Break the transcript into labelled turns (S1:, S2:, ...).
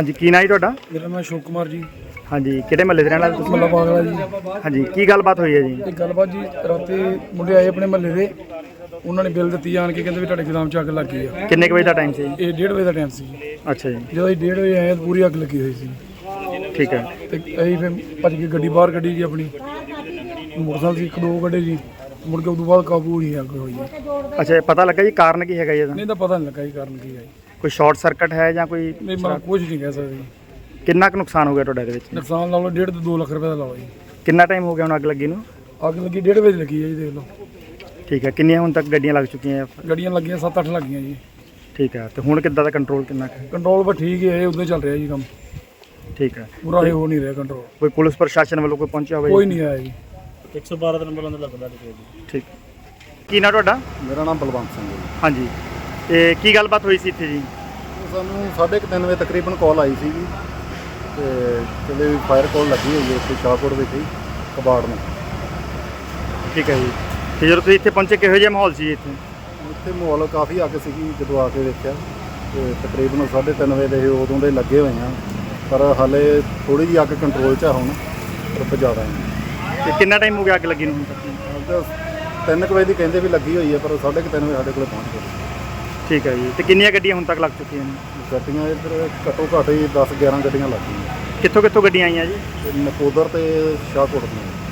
S1: ਹਾਂਜੀ ਕੀ ਨਾਂ ਜੀ ਤੁਹਾਡਾ?
S2: ਮੇਰਾ ਨਾਮ ਅਸ਼ੋਕ ਕੁਮਾਰ ਜੀ,
S1: ਹਾਂਜੀ ਕਿਹੜੇ ਮਹੱਲੇ ਦੇ ਰਹਿਣ ਵਾਲੇ ਤੁਸੀਂ?
S2: ਮੱਲਾ ਬਾਗਲਾ ਜੀ।
S1: ਹਾਂਜੀ ਕੀ ਗੱਲਬਾਤ ਹੋਈ ਹੈ ਜੀ?
S2: ਇਹ ਗੱਲਬਾਤ ਜੀ, ਰਾਤੀ ਮੁੰਡੇ ਆਏ ਆਪਣੇ ਮਹੱਲੇ ਦੇ, ਉਹਨਾਂ ਨੇ ਬਿੱਲ ਦਿੱਤੀ ਆਣ ਕੇ, ਕਹਿੰਦੇ ਵੀ ਤੁਹਾਡੇ ਗੋਦਾਮ 'ਚ ਅੱਗ ਲੱਗ ਗਈ ਆ।
S1: ਕਿੰਨੇ ਕੁ ਵਜੇ ਦਾ ਟਾਈਮ ਸੀ?
S2: ਇਹ 1:30 ਵਜੇ ਦਾ ਟਾਈਮ ਸੀ।
S1: ਅੱਛਾ ਜੀ
S2: ਜਦੋਂ ਅਸੀਂ 1:30 ਵਜੇ ਆਏ ਤਾਂ ਪੂਰੀ ਅੱਗ ਲੱਗੀ ਹੋਈ ਸੀ
S1: ਠੀਕ ਹੈ।
S2: ਤੇ ਅਸੀਂ ਫਿਰ ਭੱਜ ਕੇ ਗੱਡੀ ਬਾਹਰ ਕੱਢੀ ਜੀ ਆਪਣੀ, ਮੋਟਰਸਾਈਕਲ ਸੀ 1-2 ਗੱਡੇ ਜੀ, ਮੁੜ ਕੇ ਉਦੋਂ ਬਾਅਦ ਕਾਬੂ ਨਹੀਂ ਅੱਗ ਹੋਈ ਜੀ।
S1: ਅੱਛਾ ਇਹ ਪਤਾ ਲੱਗਾ ਜੀ ਕਾਰਨ ਕੀ ਹੈਗਾ ਜੀ ਇਹਦਾ?
S2: ਨਹੀਂ ਤਾਂ ਪਤਾ ਨਹੀਂ ਲੱਗਾ ਜੀ ਕਾਰਨ ਕੀ ਹੈ ਜੀ।
S1: ਕੋਈ ਸ਼ਾਰਟ ਸਰਕਟ ਹੈ ਜਾਂ ਕੋਈ?
S2: ਨਹੀਂ ਮੈਂ ਕੁਝ ਨਹੀਂ ਕਹਿ ਸਕਦਾ ਜੀ।
S1: ਕਿੰਨਾ ਕੁ ਨੁਕਸਾਨ ਹੋ ਗਿਆ ਤੁਹਾਡਾ ਇਹਦੇ ਵਿੱਚ?
S2: ਨੁਕਸਾਨ ਲਾ ਲਓ 1.5 ਤੋਂ 2 ਲੱਖ ਰੁਪਏ ਦਾ ਲਾਓ ਜੀ।
S1: ਕਿੰਨਾ ਟਾਈਮ ਹੋ ਗਿਆ ਹੁਣ ਅੱਗ ਲੱਗੀ ਨੂੰ?
S2: ਅੱਗ ਲੱਗੀ 1:30 ਵਜੇ ਲੱਗੀ ਹੈ ਜੀ, ਦੇਖ ਲਓ।
S1: ਠੀਕ ਹੈ ਕਿੰਨੀਆਂ ਹੁਣ ਤੱਕ ਗੱਡੀਆਂ ਲੱਗ ਚੁੱਕੀਆਂ?
S2: ਗੱਡੀਆਂ ਲੱਗੀਆਂ 7-8 ਲੱਗੀਆਂ ਜੀ।
S1: ਠੀਕ ਹੈ ਤੇ ਹੁਣ ਕਿੱਦਾਂ ਦਾ ਕੰਟਰੋਲ ਕਿੰਨਾ ਕੁ ਹੈ?
S2: ਕੰਟਰੋਲ ਪਰ ਠੀਕ ਹੈ, ਉਦੋਂ ਚੱਲ ਰਿਹਾ ਜੀ ਕੰਮ,
S1: ਠੀਕ ਹੈ।
S2: ਪੂਰਾ ਇਹ ਹੋ ਨਹੀਂ ਰਿਹਾ ਕੰਟਰੋਲ।
S1: ਕੋਈ ਪੁਲਿਸ ਪ੍ਰਸ਼ਾਸਨ ਵੱਲੋਂ ਕੋਈ ਪਹੁੰਚਿਆ ਹੋਵੇ?
S2: ਕੋਈ ਨਹੀਂ ਆਇਆ ਜੀ।
S3: 112 ਦਾ ਨੰਬਰ ਅੰਦਰ ਲੱਗਦਾ ਜੀ।
S1: ਠੀਕ ਕੀ ਨਾਂ ਤੁਹਾਡਾ?
S4: ਮੇਰਾ ਨਾਮ ਬਲਵੰਤ ਸਿੰਘ ਹੈ ਜੀ।
S1: ਹਾਂਜੀ ਤੇ ਕੀ ਗੱਲਬਾਤ ਹੋਈ ਸੀ ਇੱਥੇ ਜੀ?
S4: ਸਾਨੂੰ 3:30 ਵਜੇ ਤਕਰੀਬਨ ਕਾਲ ਆਈ ਸੀ ਜੀ ਤੇ ਕਹਿੰਦੇ ਵੀ ਫਾਇਰ ਕਾਲ ਲੱਗੀ ਹੋਈ ਹੈ ਇੱਥੇ ਸ਼ਾਹਕੋਟ ਵਿੱਚ ਹੀ ਕਬਾੜ ਨੂੰ।
S1: ਠੀਕ ਹੈ ਜੀ ਤੇ ਜਦੋਂ ਤੁਸੀਂ ਇੱਥੇ ਪਹੁੰਚੇ ਕਿਹੋ ਜਿਹਾ ਮਾਹੌਲ ਸੀ ਇੱਥੇ?
S4: ਇੱਥੇ ਮਾਹੌਲ ਕਾਫੀ ਅੱਗ ਸੀਗੀ, ਜਦੋਂ ਆ ਕੇ ਦੇਖਿਆ ਤੇ ਤਕਰੀਬਨ 3:30 ਵਜੇ ਦੇ ਉਦੋਂ ਦੇ ਲੱਗੇ ਹੋਏ ਆ, ਪਰ ਹਾਲੇ ਥੋੜੀ ਜਿਹੀ ਅੱਗ ਕੰਟਰੋਲ 'ਚ ਆ ਹੁਣ, ਪਰ ਜ਼ਿਆਦਾ ਹੈ।
S1: ਤੇ ਕਿੰਨਾ ਟਾਈਮ ਹੋ ਗਿਆ ਅੱਗ ਲੱਗੀ ਨੂੰ ਹੁਣ ਤੱਕ?
S4: 3 ਵਜੇ ਦੀ ਕਹਿੰਦੇ ਵੀ ਲੱਗੀ ਹੋਈ ਹੈ, ਪਰ 3:30 ਵਜੇ ਸਾਡੇ ਕੋਲ ਪਹੁੰਚ ਗਈ।
S1: ਠੀਕ ਹੈ ਜੀ ਤੇ ਕਿੰਨੀਆਂ ਗੱਡੀਆਂ ਹੁਣ ਤੱਕ ਲੱਗ ਚੁੱਕੀਆਂ ਨੇ?
S4: ਗੱਡੀਆਂ ਇੱਧਰ ਘੱਟੋ ਘੱਟ ਹੀ 10-11 ਗੱਡੀਆਂ ਲੱਗ ਗਈਆਂ,
S1: ਕਿੱਥੋਂ ਕਿੱਥੋਂ ਗੱਡੀਆਂ ਆਈਆਂ ਜੀ?
S4: ਤੇ ਨਕੋਦਰ ਤੇ ਸ਼ਾਹਕੋਟ ਦੀਆਂ।